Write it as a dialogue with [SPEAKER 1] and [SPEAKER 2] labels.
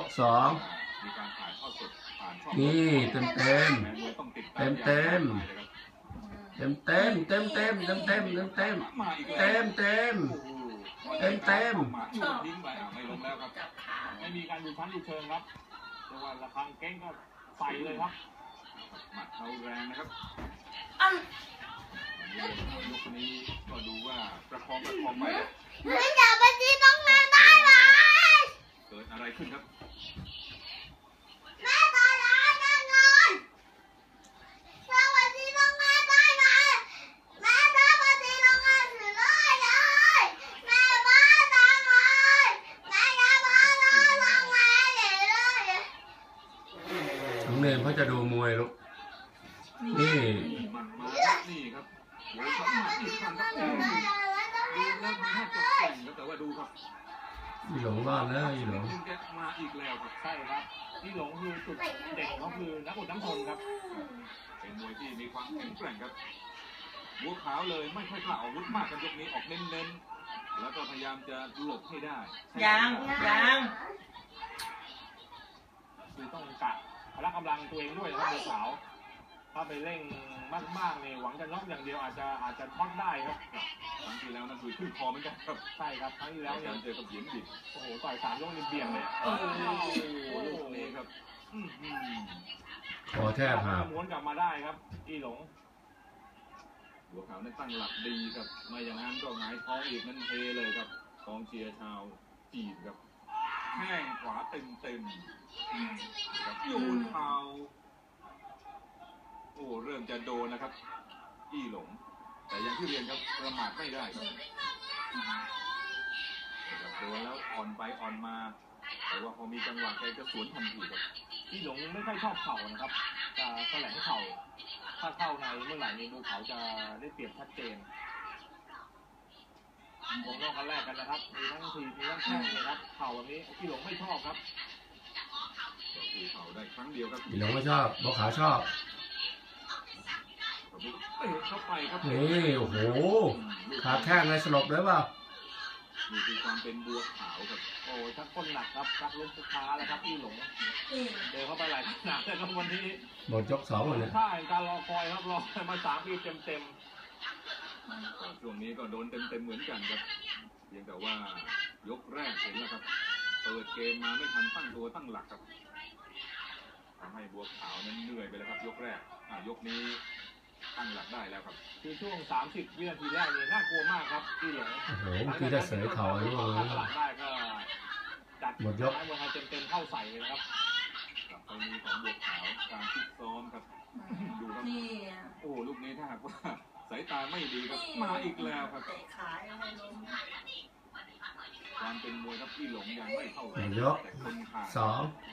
[SPEAKER 1] สองนี่เต็มเต็มเต็มเต็มเต็มเต็มเต็มเต็มเต็มเต็มเต็มเต็มเต็มเต็มเต็มเต็ม
[SPEAKER 2] ทิ้งไปไม่ลงแล้วครับไม่มีการดูชั้นดูเชิงครับแต่ว่าระฆังเก้งก็ใส่เลยครับหมัดเขาแรงนะครับยกนี้ก็ดูว่าประคองไป
[SPEAKER 3] ไม่อยากไปที่ตรงนั้นได้ไหม
[SPEAKER 2] เกิดอะไรขึ้นครับ
[SPEAKER 3] แม่ตายแล้วแน่นอนสวัสดีตรงนั้นได้ไหมแม่สวัสดีตรงนั้นถือเลยเลยแม่บ้าตังเลยแม่ยาบ้าเลยทำไงเลย
[SPEAKER 1] น้องเนมเขาจะดูมวยลูกนี่
[SPEAKER 2] นี่ครับโอ้ยเขามาอีกครั้งครับดูแล้วน่าจะเก่งครับแต่ว่าดูครับ
[SPEAKER 1] อีหลงรอดแล้วอีหลง
[SPEAKER 2] มาอีกแล้วครับใช่ครับอีหลงคือจุดเด่นเขาคือนักอดน้ำทนครับเป็นมวยที่มีความแข็งแกร่งครับบัวขาวเลยไม่ค่อยกล้าอาวุธมากกันยกนี้ออกเน้นๆแล้วก็พยายามจะหลบให้ได้
[SPEAKER 4] ยัง
[SPEAKER 2] คือต้องกะพละกำลังตัวเองด้วยนะครับบัวขาวถ้าไปเร่งมากๆเนี่ยหวังจะน็อกอย่างเดียวอาจจะท็อตได้ครับครั้งที่แล้วนั่นคือขึ้นคอเหมือนกันครับใช่ครับครั้งที่แล้วเนี่ยเจอกับเหยียนบิดโอ้โหต่อย3 ยกนี่เบี่ยงเลยโอ้โหลูกนี้ครับ
[SPEAKER 1] คอแทบหัก
[SPEAKER 2] ม้วนกลับมาได้ครับอีหลงบัวขาวนั้นตั้งหลักดีครับไม่อย่างนั้นก็หงายท้องอีกนั่นเทเลยครับกองเชียร์ชาวจีนครับแข้งขวาเต็มครับโยนเท้าโอ้เริ่มจะโดนนะครับอี้หลงแต่อย่างที่เรียนครับประมาทไม่ได้ครับโดนแล้วอ่อนไปอ่อนมาแต่ว่าพอมีจังหวะแกจะสวนทันทีครับอี้หลงไม่ค่อยชอบเข่านะครับจะแสลงเข่าถ้าเข้าในเมื่อไหร่ในดูเขาจะได้เปรียบชัดเจนวงนอกกันแรกกันนะครับมีทั้งทีมีทั้งแข้งนะครับเข่าแบบนี้อี้หลงไม่ชอบครับดูเข่าได้ครั้งเดียวครับ
[SPEAKER 1] อีหลงไม่ชอบบัวขาวชอบ
[SPEAKER 2] เข้าไปครับ
[SPEAKER 1] นี่โอ้โหขาแข้งเลยสลบเลยเปล่า
[SPEAKER 2] นี่คือความเป็นบัวขาวครับโอ้ชักก้นหนักครับชักล้มสุดท้ายแล้วครับอี้หลงเดินเข้าไปหลายขนาดเลยครับวันนี้
[SPEAKER 1] หมดยก2เลย
[SPEAKER 2] ใช่การรอคอยครับรอมา3 ปีเต็มช่วงนี้ก็โดนเต็มเหมือนกันครับเพียงแต่ว่ายกแรกเห็นแล้วครับเปิดเกมมาไม่ทันตั้งตัวตั้งหลักครับทำให้บัวขาวนั้นเหนื่อยไปแล้วครับยกแรกยกนี้ตั้งหลักได้แล้วครับคือช่วง30 วินาทีแรกนี่น่ากลัวมากครับที่หลง
[SPEAKER 1] โอ้โหคือจะเสยเข่าไอ้พวกนี้
[SPEAKER 2] หลักได้ก็จัดหมดยกบัวขาวเต็มเข้าใส่เลยครับกับไปมีของบัวขาวการฟิตซ้อมครับดูครับโอ้ลูกนี้ถ้าหากว่าสายตาไม่ดีครับมาอีกแล้วครับความเป็นมวยครับที่หลงยังไม่เท่าไหร่
[SPEAKER 1] ยก2